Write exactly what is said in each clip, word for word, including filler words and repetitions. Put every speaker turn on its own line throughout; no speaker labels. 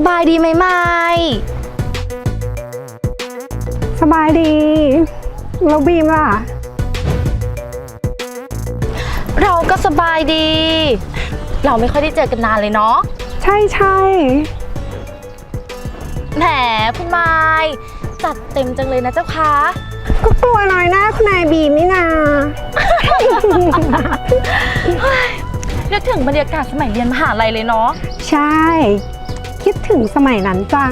บายดีไหมไม้
สบายดีแล้วบีมล่ะ
เราก็สบายดี เราไม่ค่อยได้เจอกันนานเลยเนาะ
ใช่ใช่
แหมคุณไม้จัดเต็มจังเลยนะเจ้าคะ
ก็กลัวน้อยหน้าคุณนายบีมนี่นา
นึกถึงบรรยากาศสมัยเรียนมหาลัยเลยเนาะ
ใช่คิดถึงสมัยนั้นจัง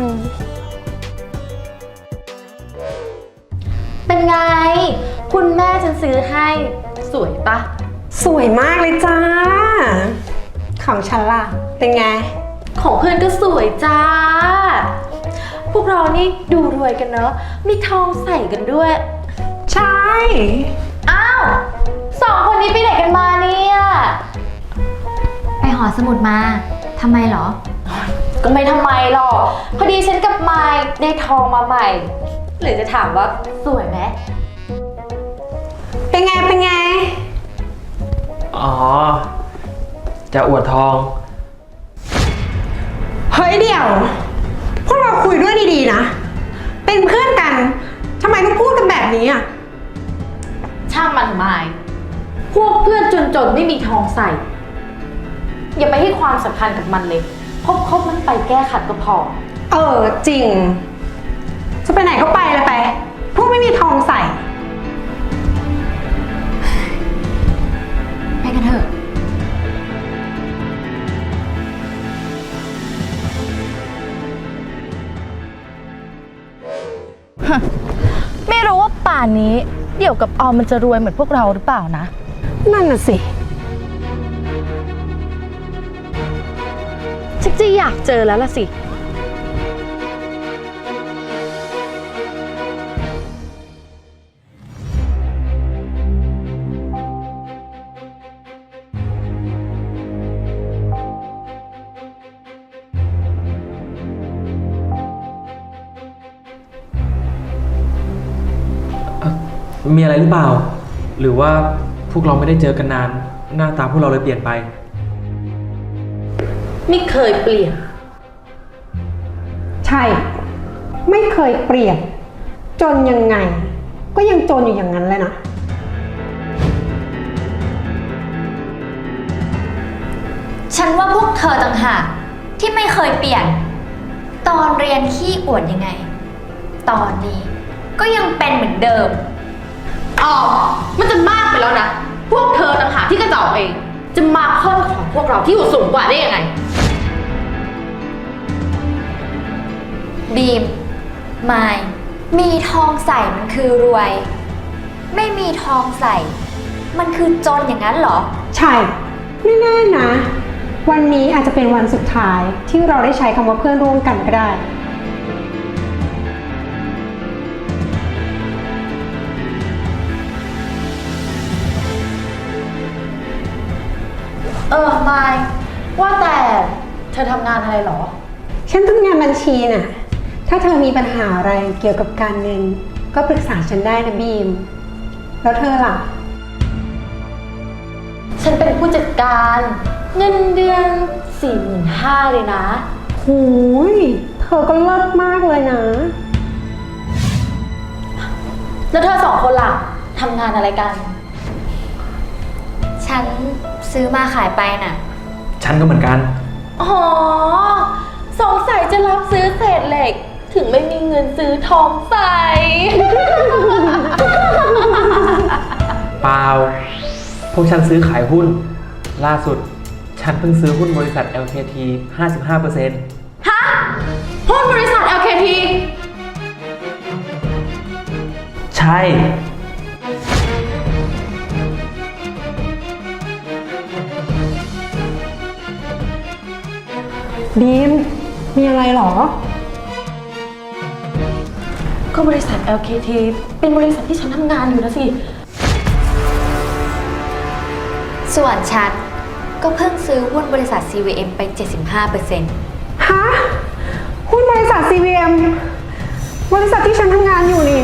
เป็นไงคุณแม่ฉันซื้อให้สวยปะ
สวยมากเลยจ้าของฉันล่ะเป็นไง
ของเพื่อนก็สวยจ้าพวกเรานี่ดูรวยกันเนอะมีทองใส่กันด้วย
ใช่
อ้าวสองคนนี้ไปไหนกันมาเนี่ย
ไปหอสมุดมาทำไมเหรอ
ก็ไม่ทำไมหรอกพอดีฉันกับไมค์ได้ทองมาใหม่หรือจะถามว่าสวยไหม
เป็นไงเป็นไง
อ๋อจะอวดทอง
เฮ้ยเดี๋ยวพวกเราคุยด้วยดีๆนะเป็นเพื่อนกันทำไมต้องพูดกันแบบนี้อ่ะ
ช่างมันไมค์พวกเพื่อนจนๆไม่มีทองใส่อย่าไปให้ความสำคัญกับมันเลยคบคบมันไปแก้ขัดก็พอ
เออจริงจะไปไหนก็ไปเลยไปพวกไม่มีทองใส่
ไปกันเถอะ
ไม่รู้ว่าป่านนี้เดี๋ยวกับออมมันจะรวยเหมือนพวกเราหรือเปล่านะ
นั่นน่ะสิ
ชักจะอยากเจอแล้วล่ะสิ
มีอะไรหรือเปล่าหรือว่าพวกเราไม่ได้เจอกันนานหน้าตาพวกเราเลยเปลี่ยนไป
ไม่เคยเปลี่ยน
ใช่ไม่เคยเปลี่ยนจนยังไงก็ยังจนอยู่อย่างนั้นเลยนะ
ฉันว่าพวกเธอต่างหากที่ไม่เคยเปลี่ยนตอนเรียนขี้อวดยังไงตอนนี้ก็ยังเป็นเหมือนเดิม
อ๋อมันจะมากไปแล้วนะพวกเธอต่างหากที่กระจอกเองจะมาค่อนของพวกเราที่อยู่สูงกว่าได้ยังไง
บีมไมค์มีทองใส่มันคือรวยไม่มีทองใส่มันคือจนอย่างนั้นเหรอ
ใช่ไม่แน่นะวันนี้อาจจะเป็นวันสุดท้ายที่เราได้ใช้คำว่าเพื่อนร่วมกันก็ได้
เออไมค์ว่าแต่เธอทำงานอะไรหรอ
ฉันทำงานบัญชีน่ะถ้าเธอมีปัญหาอะไรเกี่ยวกับการเงินก็ปรึกษาฉันได้นะบีมแล้วเธอล่ะ
ฉันเป็นผู้จัดการเงินเดือน สี่หมื่นห้าพัน เลยนะ
หูยเธอก็เลิศมากเลยนะ
แล้วเธอสองคนล่ะทำงานอะไรกัน
ฉันซื้อมาขายไปน่ะ
ฉันก็เหมือนกัน
อ๋อสงสัยจะรับซื้อเศษเหล็กถึงไม่มีเงินซื้อทองใส่
เปล่าพวกฉันซื้อขายหุ้นล่าสุดฉันเพิ่งซื้อหุ้นบริษัท แอล เค ที ห้าสิบห้าเปอร์เซ็นต์
ฮะหุ้นบริษัท แอล เค ที
ใช่
บีมมีอะไรหรอ
ก็บริษัท แอล เค ที เป็นบริษัทที่ฉันทำงานอยู่นะสิ
ส่วนฉันก็เพิ่งซื้อหุ้นบริษัท ซี วี เอ็ม ไป เจ็ดสิบห้าเปอร์เซ็นต์
ฮะหุ้นบริษัท ซี วี เอ็ม บริษัทที่ฉันทำงานอยู่นี่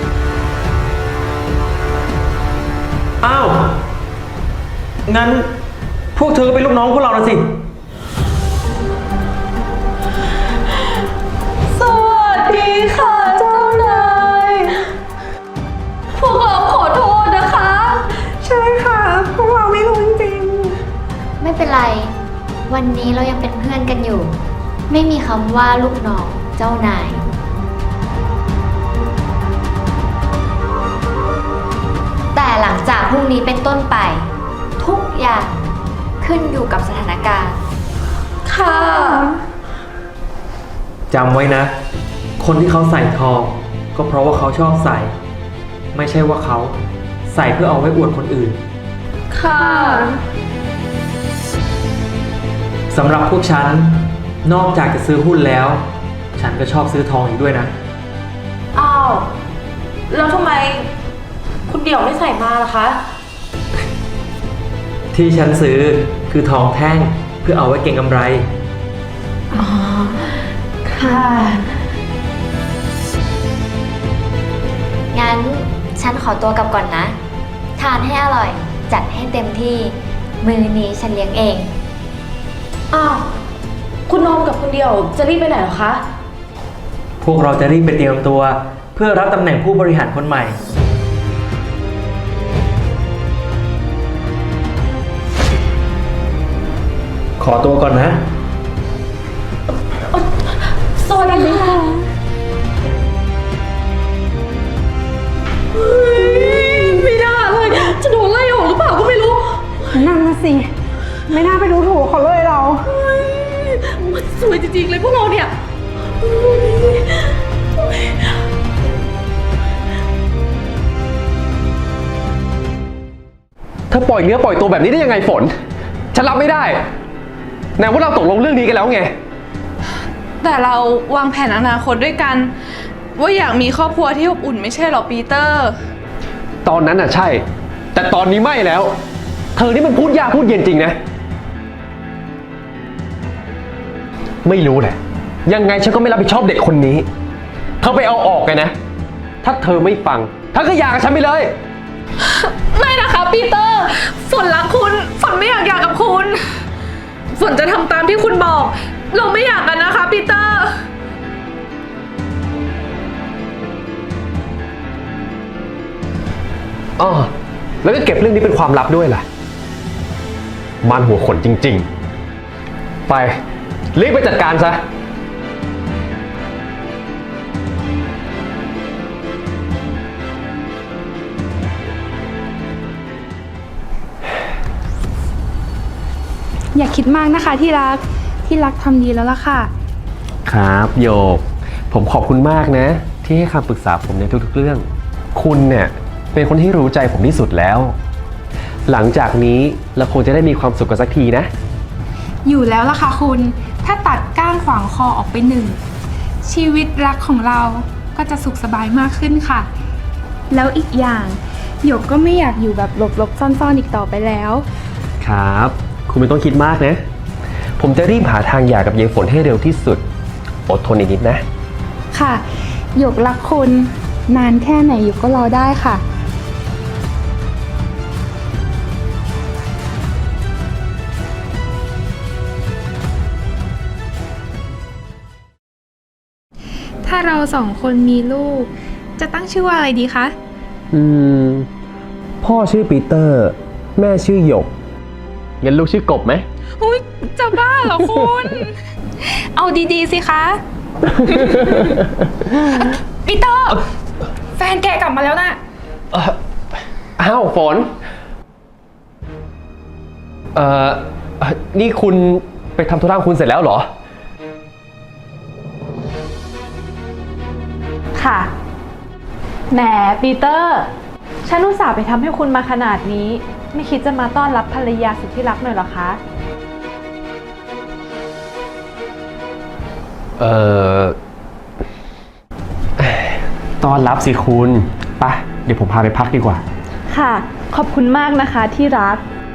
อ้าวงั้นพวกเธอก็เป็นลูกน้องพวกเราแล้วสิ
เป็นไร วันนี้เรายังเป็นเพื่อนกันอยู่ ไม่มีคำว่าลูกน้องเจ้านาย แต่หลังจากพรุ่งนี้เป็นต้นไป ทุกอย่างขึ้นอยู่กับสถานการณ์
ค่ะ
จำไว้นะ คนที่เขาใส่ทอง ก็เพราะว่าเขาชอบใส่ ไม่ใช่ว่าเขาใส่เพื่อเอาไว้อวดคนอื่น
ค่ะ
สำหรับพวกฉัน นอกจากจะซื้อหุ้นแล้ว ฉันก็ชอบซื้อทองอีกด้วยนะ
อ้าว แล้วทำไมคุณเดี่ยวไม่ใส่มาล่ะคะ
ที่ฉันซื้อคือทองแท่งเพื่อเอาไว้เก็งกำไร
อ๋อ ค่ะ
งั้นฉันขอตัวกลับก่อนนะ ทานให้อร่อย จัดให้เต็มที่ มื้อนี้ฉันเลี้ยงเอง
อ้าว คุณโนมกับคุณเดี่ยวจะรีบไปไหนเหรอคะ
พวกเราจะรีบไปเตรียมตัว เพื่อรับตำแหน่งผู้บริหารคนใหม่ ขอตัวก่อนนะ
สวัสดีค่ะไม่น่าเลยจะโดนไล่ออกหรือเปล่าก็ไม่รู้
นั่นนะสิ ไม่น่าไปดูถูกเขาเลยเรา
มันสวยจริงๆเลยพวกเราเนี่ย
เธอปล่อยเนื้อปล่อยตัวแบบนี้ได้ยังไงฝน ฉันรับไม่ได้แนว่าเราตกลงเรื่องนี้กันแล้วไง
แต่เราวางแผนอนาคตด้วยกัน ว่าอยากมีครอบครัวที่อบอุ่นไม่ใช่หรอปีเตอร์
ตอนนั้นน่ะใช่ แต่ตอนนี้ไม่แล้ว เธอนี่มันพูดยากพูดเย็นจริงนะ ไม่รู้แหละ ยังไงฉันก็ไม่รับผิดชอบเด็กคนนี้ เธอไปเอาออกกันนะ ถ้าเธอไม่ฟังเธอก็หย่ากับฉันไปเลย
ไม่นะคะปีเตอร์ ฝนรักคุณ ฝนไม่อยากหย่ากับคุณ ฝนจะทำตามที่คุณบอก เราไม่อยากกันนะคะปีเตอร์
อ๋อแล้วก็เก็บเรื่องนี้เป็นความลับด้วยล่ะ มันหัวขนจริงๆ ไป รีบไปจัดการซะ
อย่าคิดมากนะคะที่รัก ที่รักทำดีแล้วล่ะค่ะ
ครับโยก ผมขอบคุณมากนะ ที่ให้คำปรึกษาผมในทุกๆเรื่อง คุณเนี่ยเป็นคนที่รู้ใจผมที่สุดแล้ว หลังจากนี้เราคงจะได้มีความสุขกันสักทีนะ
อยู่แล้วล่ะค่ะคุณ ถ้าตัดก้างขวางคอออกไปหนึ่ง ชีวิตรักของเราก็จะสุขสบายมากขึ้นค่ะ แล้วอีกอย่างหยกก็ไม่อยากอยู่แบบหลบๆซ่อนๆอีกต่อไปแล้ว
ครับ คุณไม่ต้องคิดมากนะ ผมจะรีบหาทางหย่ากับยายฝนให้เร็วที่สุด อดทนอีกนิดนะ
ค่ะหยกรักคุณนานแค่ไหนหยกก็รอได้ค่ะ ถ้าเราสองคนมีลูก จะตั้งชื่อว่าอะไรดีคะ
อืม พ่อชื่อปีเตอร์ แม่ชื่อหยกงั้นลูกชื่อกบไหม
อุ๊ย จะบ้าเหรอคุณ เอาดีๆสิคะ ปีเตอร์ แฟนแกกลับมาแล้วนะ
เอ่ออ้าวฝน เอ่อเอ่อนี่คุณไปทำธุระของคุณเสร็จแล้วเหรอ
ค่ะ แหมปีเตอร์ ฉันอุตส่าห์ไปทำให้คุณมาขนาดนี้ ไม่คิดจะมาต้อนรับภรรยาสุดที่รักหน่อยเหรอคะ
เอ่อต้อนรับสิคุณไปเดี๋ยวผมพาไปพักดีกว่า
ค่ะ ขอบคุณมากนะคะที่รัก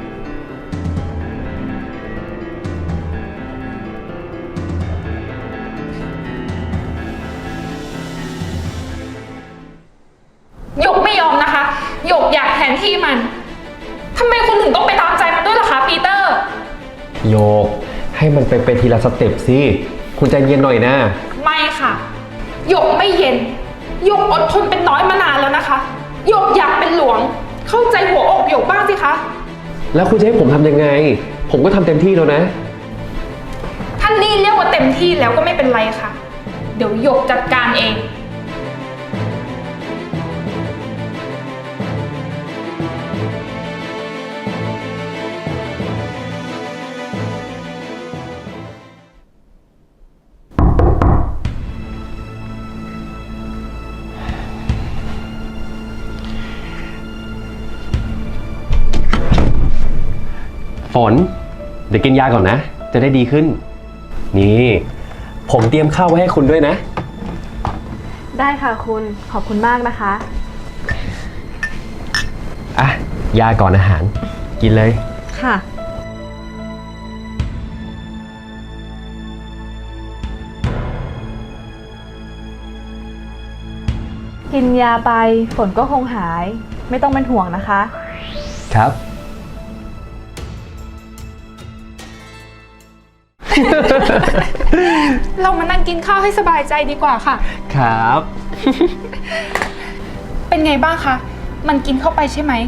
หยกไม่ยอมนะคะ หยกอยากแทนที่มัน ทำไมคุณถึงต้องไปตามใจมันด้วยล่ะคะปีเตอร์
โยก ให้มันไปไปทีละสเต็ปสิ คุณใจเย็นหน่อยนะ
ไม่ค่ะ หยกไม่เย็น หยกอดทนเป็นน้อยมานานแล้วนะคะ หยกอยากเป็นหลวง เข้าใจหัวอกหยกบ้างสิคะ
แล้วคุณจะให้ผมทำยังไง ผมก็ทำเต็มที่แล้วนะ
ท่านนี่เรียกว่าเต็มที่แล้วก็ไม่เป็นไรค่ะ เดี๋ยวหยกจัดการเอง
ฝน เดี๋ยวกินยาก่อนนะ จะได้ดีขึ้น นี่ ผมเตรียมข้าวไว้ให้คุณด้วยนะ
ได้ค่ะคุณ ขอบคุณมากนะคะ
อ่ะ ยาก่อนอาหาร กินเลย
ค่ะ กินยาไปฝนก็คงหาย ไม่ต้องเป็นห่วงนะคะ
ครับ
เรามานั่งกินข้าวให้สบายใจดีกว่าค่ะ
ครับ
เป็นไงบ้างคะ มันกินเข้าไปใช่ไหม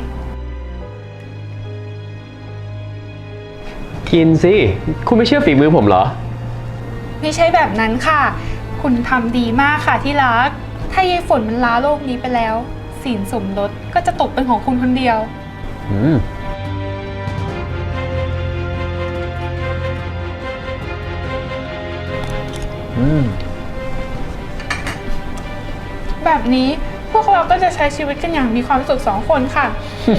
กินสิ คุณไม่เชื่อฝีมือผมเหรอ
ไม่ใช่แบบนั้นค่ะ คุณทำดีมากค่ะที่รัก ถ้ายายฝนมันล้าโลกนี้ไปแล้วสินสมรสก็จะตกเป็นของคุณคนเดียว
อืม อืม
แบบนี้พวกเราก็จะใช้ชีวิตกันอย่างมีความสุขสองคนค่ะ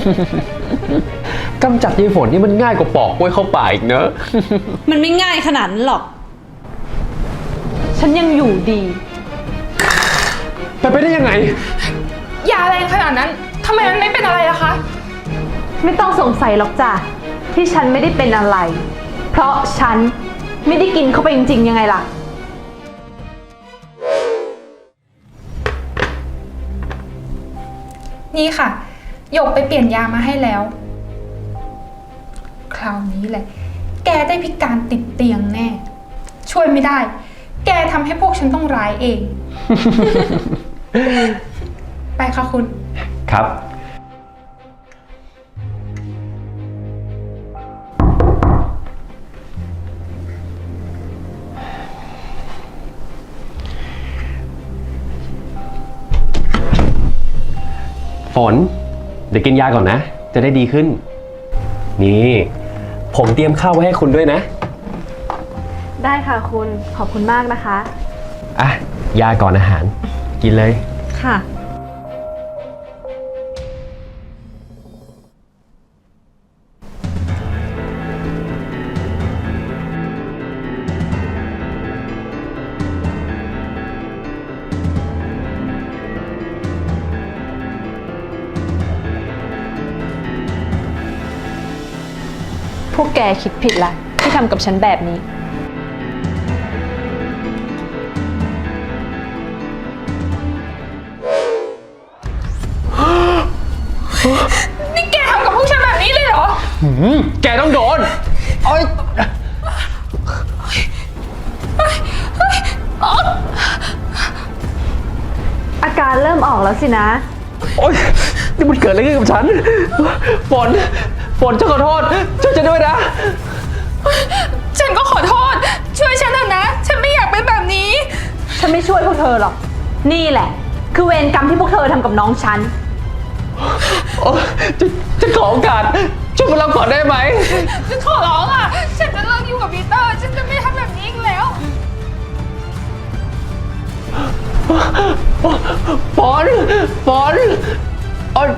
กำจัดยายฝนนี่มันง่ายกว่าปอกกล้วยเข้าป่าอีกเนอะ
มันไม่ง่ายขนาดนั้นหรอก ฉันยังอยู่ดี
ไปไปได้ยังไง
ยาแรงขนาดนั้นทำไมมันไม่เป็นอะไรล่ะคะ
ไม่ต้องสงสัยหรอกจ้ะที่ฉันไม่ได้เป็นอะไร เพราะฉันไม่ได้กินเข้าไปจริงๆยังไงล่ะ
นี่ค่ะหยกไปเปลี่ยนยามาให้แล้ว คราวนี้แหละ แกได้พิการติดเตียงแน่ ช่วยไม่ได้ แกทำให้พวกฉันต้องร้ายเอง ไปค่ะคุณ
ครับ ฝน เดี๋ยวกินยาก่อนนะ จะได้ดีขึ้น นี่ ผมเตรียมข้าวไว้ให้คุณด้วยนะ
ได้ค่ะคุณ ขอบคุณมากนะคะ
อ่ะ ยาก่อนอาหาร กินเลย
ค่ะ พวกแกคิดผิดละที่ทำกับฉันแบบนี้
นี่แกทำกับพวกฉันแบบนี้เลยเหรอ
หืม แกต้องโดนโอ๊ย
อาการเริ่มออกแล้วสินะ
โอ๊ย นี่มันเกิดอะไรขึ้นกับฉัน ฝน ฝนฉันขอโทษ ช่วยฉันด้วยนะ
ฉันก็ขอโทษ ช่วยฉันเถอะนะ ฉันไม่อยากเป็นแบบนี้
ฉันไม่ช่วยพวกเธอหรอก นี่แหละ คือเวรกรรมที่พวกเธอทำกับน้องฉัน
โอ๊ยฉันฉันขอโอกาส ช่วยมารับก่อนได้ไหม
ฉันขอร้องอ่ะ ฉันจะเลิกอยู่กับปีเตอร์ ฉันจะไม่ทำแบบนี้อีกแล้ว
ฝน ฝนโอ๊ย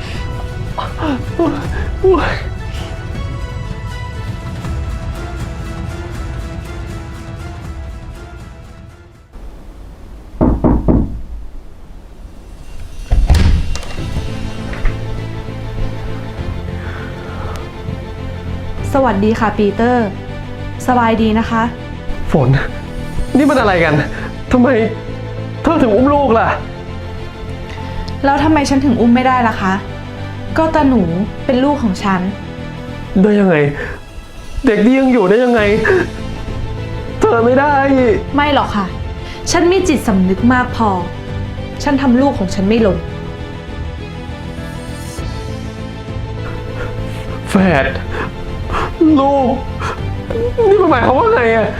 สวัสดีค่ะปีเตอร์ สบายดีนะคะ
ฝน นี่มันอะไรกัน ทำไมเธอถึงอุ้มลูกล่ะ
แล้วทำไมฉันถึงอุ้มไม่ได้ล่ะคะ ก็ตาหนูเป็นลูกของฉัน
ได้ยังไง เด็กนี่ยังอยู่ได้ยังไง เธอไม่ได้
ไม่หรอกค่ะ ฉันมีจิตสำนึกมากพอ ฉันทำลูกของฉันไม่หล่น
ฝแฝดลูก นี่มันหมายความว่าไงอะ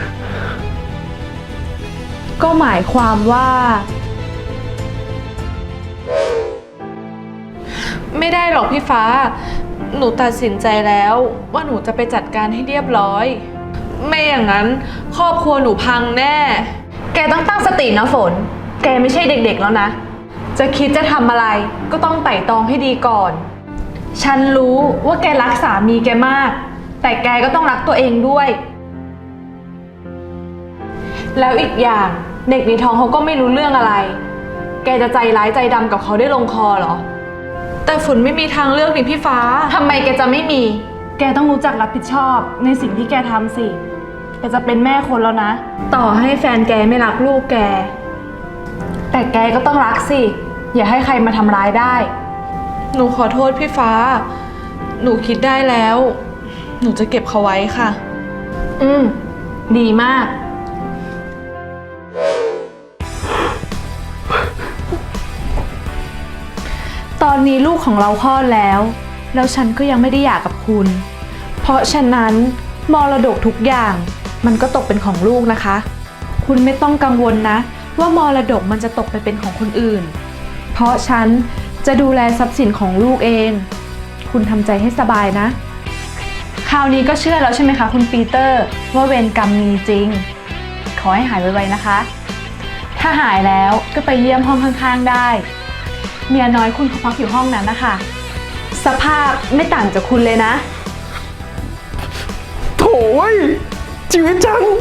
ก็หมายความว่า
ไม่ได้หรอกพี่ฟ้า หนูตัดสินใจแล้วว่าหนูจะไปจัดการให้เรียบร้อย ไม่อย่างนั้นครอบครัวหนูพังแน่
แกต้องตั้งสตินะฝน แกไม่ใช่เด็กๆแล้วนะ จะคิดจะทำอะไรก็ต้องไต่ตองให้ดีก่อน ฉันรู้ว่าแกรักสามีแกมาก แต่แกก็ต้องรักตัวเองด้วย แล้วอีกอย่างเด็กในท้องเขาก็ไม่รู้เรื่องอะไร แกจะใจร้ายใจดำกับเขาได้ลงคอเหรอ
แต่ฝนไม่มีทางเลือกนี่พี่ฟ้า
ทำไมแกจะไม่มี แกต้องรู้จักรับผิดชอบในสิ่งที่แกทำสิ แกจะเป็นแม่คนแล้วนะ ต่อให้แฟนแกไม่รักลูกแก แต่แกก็ต้องรักสิ อย่าให้ใครมาทำร้ายได้
หนูขอโทษพี่ฟ้า หนูคิดได้แล้ว หนูจะเก็บเขาไว้ค่ะ
อืม ดีมาก ตอนนี้ลูกของเราคลอดแล้ว แล้วฉันก็ยังไม่ได้หย่ากับคุณ เพราะฉะนั้นมรดกทุกอย่างมันก็ตกเป็นของลูกนะคะ คุณไม่ต้องกังวลนะ ว่ามรดกมันจะตกไปเป็นของคนอื่น เพราะฉันจะดูแลทรัพย์สินของลูกเอง คุณทำใจให้สบายนะ คราวนี้ก็เชื่อแล้วใช่ไหมคะคุณปีเตอร์ว่าเวรกรรมมีจริง ขอให้หายไวๆนะคะ ถ้าหายแล้วก็ไปเยี่ยมห้องข้างๆได้ เมียน้อยคุณเขาพักอยู่ห้องนั้นนะคะ สภาพไม่ต่างจากคุณเลยนะ
โถ่เว้ยชีวิตฉัน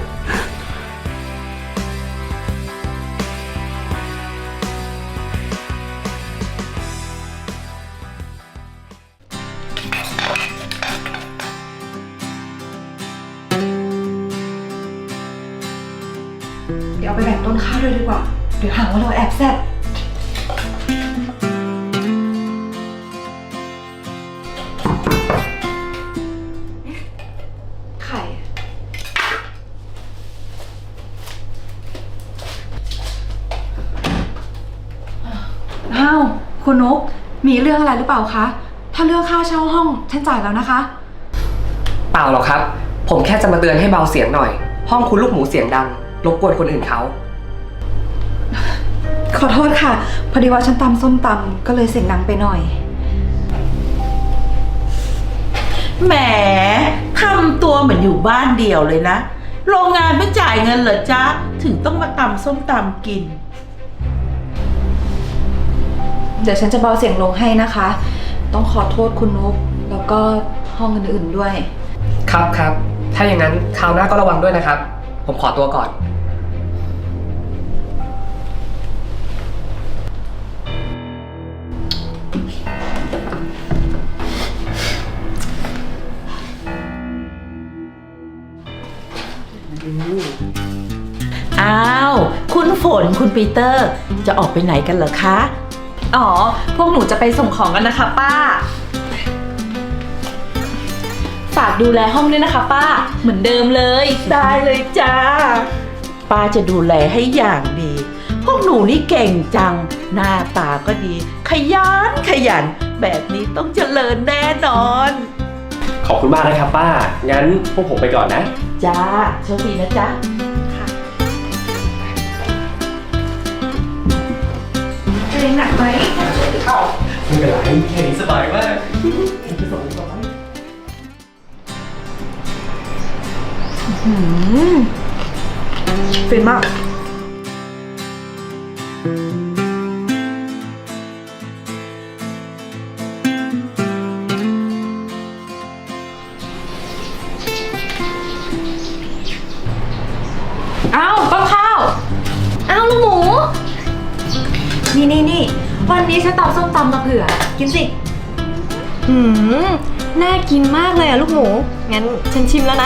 เดี๋ยวเอาไปแบ่งต้นข้าวด้วยดีกว่า เดี๋ยวหาว่าเราแอบแซ่บไข่ อ้าว คุณนก มีเรื่องอะไรหรือเปล่าคะ ถ้าเรื่องค่าเช่าห้องฉันจ่ายแล้วนะคะ
เปล่าหรอกครับ ผมแค่จะมาเตือนให้เบาเสียงหน่อย ห้องคุณลูกหมูเสียงดัง รบกวนคนอื่นเขา
ขอโทษค่ะ พอดีว่าฉันตำส้มตำก็เลยเสียงดังไปหน่อย
แหมทำตัวเหมือนอยู่บ้านเดียวเลยนะ โรงงานไม่จ่ายเงินเหรอจ๊ะ ถึงต้องมาตำส้มตำกิน
เดี๋ยวฉันจะเบาเสียงลงให้นะคะ ต้องขอโทษคุณนกแล้วก็ห้องอื่นๆด้วย
ครับครับ ถ้าอย่างนั้นคราวหน้าก็ระวังด้วยนะครับ ผมขอตัวก่อน
อ้าว คุณฝนคุณปีเตอร์ จะออกไปไหนกันเหรอคะ
อ๋อ พวกหนูจะไปส่งของกันนะคะป้า ฝากดูแลห้องด้วยนะคะป้า เหมือนเดิมเลย
ได้เลยจ้า ป้าจะดูแลให้อย่างดี พวกหนูนี่เก่งจัง หน้าตาก็ดี ขยันขยัน แบบนี้ต้องเจริญแน่นอน
ขอบคุณมากนะครับป้า งั้นพวกผมไปก่อนนะ
จ้าโชคดีนะจ๊ะ
เองหนักไหม
ไม่เป็นไรแค่นี้สบายมาก
ฟินมาก
อ้าวต้นข้าว
อ้าวลูกหมู
นี่นี่นี่วันนี้ฉันตำส้มตำมาเผื่อ กินสิ
หืม น่ากินมากเลยอะลูกหมู งั้นฉันชิมแล้วนะ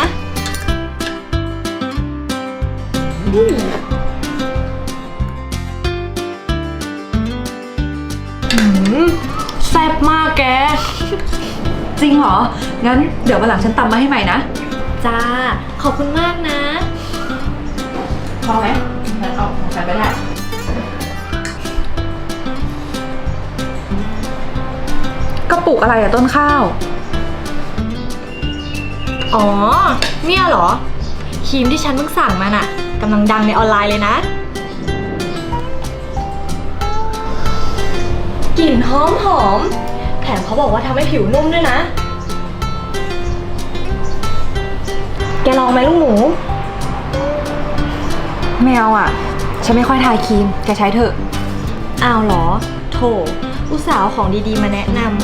แซ่บมากแก
จริงเหรอ งั้นเดี๋ยววันหลังฉันตำมาให้ใหม่นะ
จ้า ขอบคุณมากนะ
พอไหมงั้นเอาของฉันไปได้ กระปุกอะไรอะต้นข้าว
อ๋อ เนี่ยเหรอ ครีมที่ฉันเพิ่งสั่งมาน่ะกำลังดังในออนไลน์เลยนะ กลิ่นหอมหอม แถมเขาบอกว่าทำให้ผิวนุ่มด้วยนะ แกลองไหมลูกหมูไม่เอาอ่ะ ฉันไม่ค่อยทาครีม แกใช้เถอะอ้าวเหรอ โถ อุตส่าห์เอาของดีๆมาแนะนำ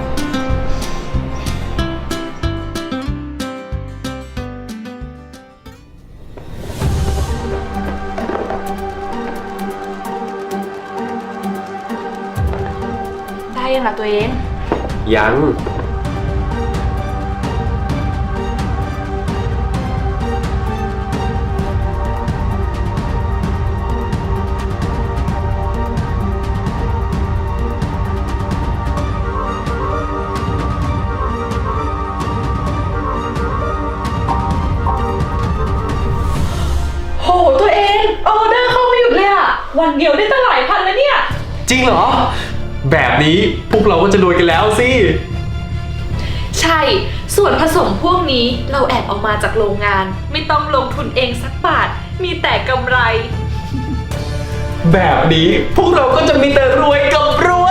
ได้ยังล่ะตัวเอง
ยัง
โหตัวเองออเดอร์เข้าไม่หยุดเลยอะวันเดียวได้ตั้งหลายพันแล้วเนี่ย
จริงเหรอ แบบนี้พวกเราก็จะรวยกันแล้วสิ
ใช่ ส่วนผสมพวกนี้เราแอบเอามาจากโรงงาน ไม่ต้องลงทุนเองสักบาท มีแต่กำไร
แบบนี้พวกเราก็จะมีแต่รวยกับรวย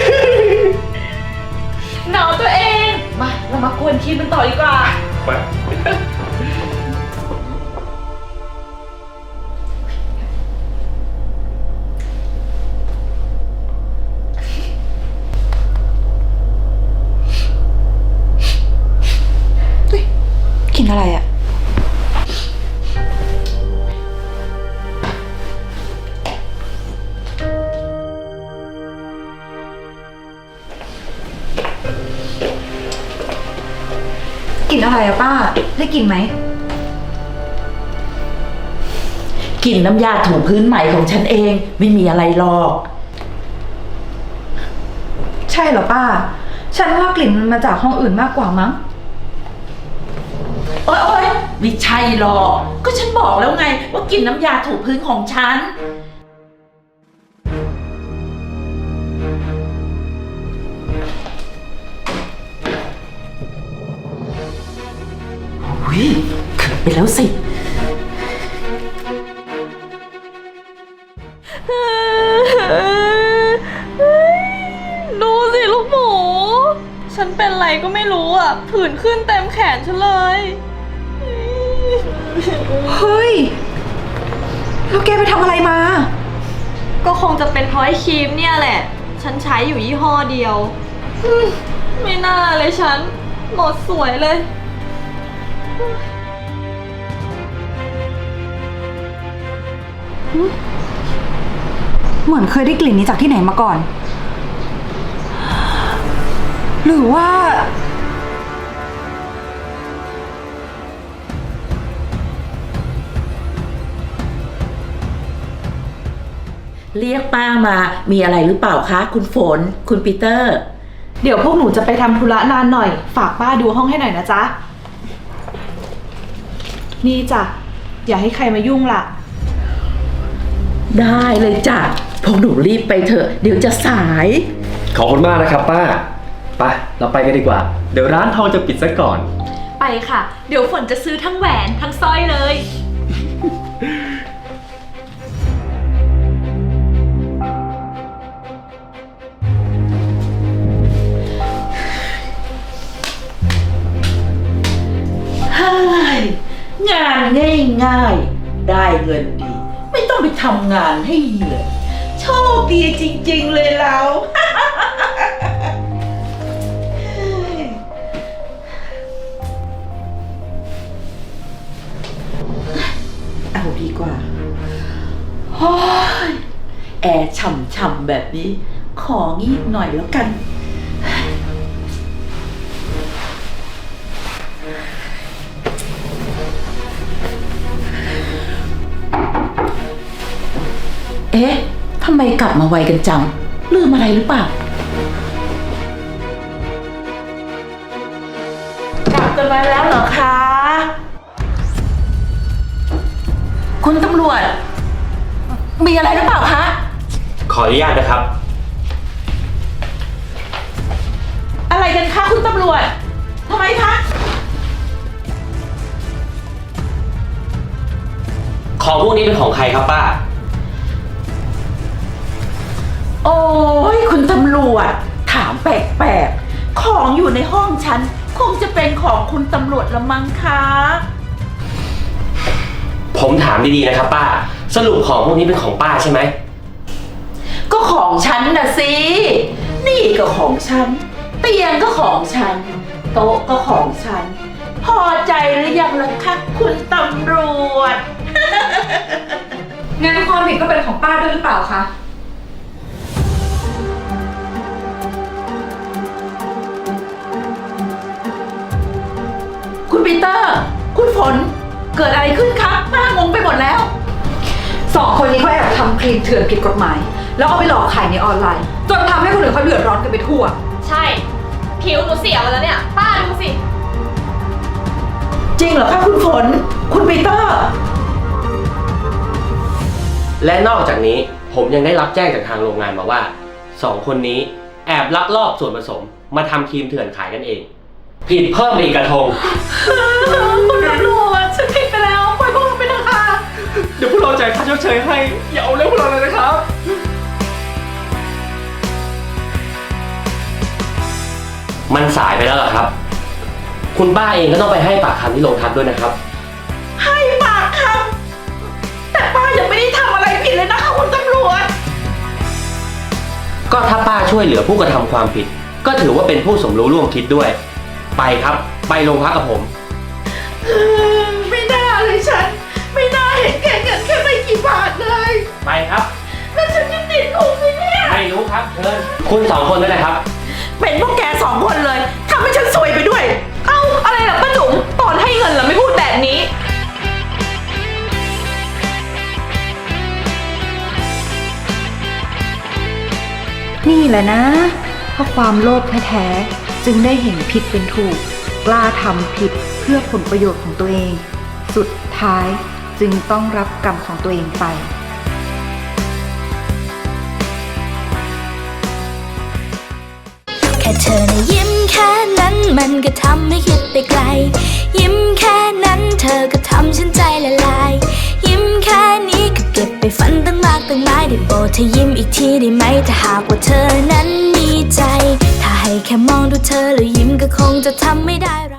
หนาวตัวเอง มาเรามากวนคีมกันต่อดีกว่า
ไป
กินอะไรอะกลิ่นอะไรอะป้า ได้กลิ่นไหม
กลิ่นน้ำยาถูพื้นใหม่ของฉันเองไม่มีอะไรหรอก
ใช่เหรอป้า ฉันว่ากลิ่นมันมาจากห้องอื่นมากกว่ามั้ง
โอ๊ยโอ๊ยไม่ใช่หรอก ก็ฉันบอกแล้วไงว่ากลิ่นน้ำยาถูพื้นของฉัน วิเกิดไปแล้วสิ
ดูสิลูกหมู ฉันเป็นไรก็ไม่รู้อ่ะ ผื่นขึ้นเต็มแขนฉันเลย
เฮ้ย แล้วแกไปทำอะไรมา
ก็คงจะเป็นเพราะไอ้ครีมเนี่ยแหละ ฉันใช้อยู่ยี่ห้อเดียวอืมไม่น่าเลยฉัน หมดสวยเลย
เหมือนเคยได้กลิ่นนี้จากที่ไหนมาก่อน หรือว่า
เรียกป้ามา มีอะไรหรือเปล่าคะ คุณฝน คุณปีเตอร์
เดี๋ยวพวกหนูจะไปทำธุระนานหน่อย ฝากป้าดูห้องให้หน่อยนะจ๊ะ นี่จ้ะ อย่าให้ใครมายุ่งล่ะ
ได้เลยจ้ะ พวกหนูรีบไปเถอะ เดี๋ยวจะสาย
ขอบคุณมากนะครับป้า ไป เราไปกันดีกว่า เดี๋ยวร้านทองจะปิดซะก่อน
ไปค่ะ เดี๋ยวฝนจะซื้อทั้งแหวนทั้งสร้อยเลย
เฮ้ยงานง่ายๆ ได้เงินดี ไม่ต้องไปทำงานให้เหนื่อยโชคดีจริงๆเลยเรา เอาดีกว่าโอ้ยแอร์ฉ่ำๆแบบนี้ ของีบหน่อยแล้วกัน เอ๊ะ ทำไมกลับมาไวกันจัง ลืมอะไรหรือเปล่า กลับกันมาแล้วเหรอคะ คุณตำรวจ มีอะไรหรือเปล่าคะ
ขออนุญาตนะครับ
อะไรกันคะคุณตำรวจ ทำไมคะ
ของพวกนี้เป็นของใครครับป้า
โอ้ยคุณตำรวจ ถามแปลกๆ ของอยู่ในห้องฉัน คงจะเป็นของคุณตำรวจละมั้งคะ
ผมถามดีๆนะครับป้า สรุปของพวกนี้เป็นของป้าใช่ไหม
ก็ของฉันนะสิ นี่ก็ของฉัน เตียงก็ของฉัน โต๊ะก็ของฉัน พอใจหรือยังล่ะคะคุณตำรวจ
งั้นความผิดก็เป็นของป้าด้วยหรือเปล่าคะ
คุณปีเตอร์ คุณฝน เกิดอะไรขึ้นคะป้างงไปหมดแล้ว
สองคนนี้เขาแอบทำครีมเถื่อนผิดกฎหมาย แล้วเอาไปหลอกขายในออนไลน์ จนทำให้คนอื่นเขาเดือดร้อนกันไปทั่ว
ใช่ ผิวหนูเสียหมดแล้วเนี่ย ป้าดูสิ
จริงเหรอคะคุณฝน คุณปีเตอร์
และนอกจากนี้ผมยังได้รับแจ้งจากทางโรงงานมาว่าสองคนนี้แอบลักลอบส่วนผสมมาทำครีมเถื่อนขายกันเอง ผิดเพิ่มอีกกระทง
คุณตำรวจฉันผิดไปแล้วปล่อยพวกเราไปเถอะค่ะ
เดี๋ยวพวกเราจ่ายค่าชดเชยให้ อย่าเอาเรื่องพวกเราเลยนะครับ
มันสายไปแล้วเหรอครับ คุณป้าเองก็ต้องไปให้ปากคำที่โรงพักด้วยนะครับ
ให้ปากคำแต่ป้ายังไม่ได้ทำอะไรผิดเลยนะคะคุณตำรวจ
ก็ถ้าป้าช่วยเหลือผู้กระทำความผิด ก็ถือว่าเป็นผู้สมรู้ร่วมคิดด้วย ไปครับ ไปโรงพักกับผม
ไม่น่าเลยฉัน ไม่น่าเห็นแก่เงินแค่ไม่กี่บาทเลย
ไปครับ
แล้วฉันจะติดคุกไหมเนี่ย
ไม่รู้ครับเชิญคุณสองคนด้วยนะครับ
เป็นพวกแกสองคนเลยทำให้ฉันซวยไปด้วย
เอ้า อะไรล่ะป้าจุ๋มตอนให้เงินเหรอไม่พูดแบบนี้
นี่แหละนะเพราะความโลภแท้ๆจึงได้เห็นผิดเป็นถูก กล้าทำผิดเพื่อผลประโยชน์ของตัวเอง สุดท้ายจึงต้องรับกรรมของตัวเองไป
แค่เธอนะยิ้มแค่นั้นมันก็ทำให้คิดไปไกล ยิ้มแค่นั้นเธอก็ทำฉันใจละลาย ยิ้มแค่นี้ก็เก็บไปฝันตั้งมากตั้งหลายได้โปรดเธอยิ้มอีกทีได้ไหมถ้าหากว่าเธอนั้นมีใจ ถ้าให้แค่มองดูเธอแล้วยิ้มก็คงจะทำไม่ได้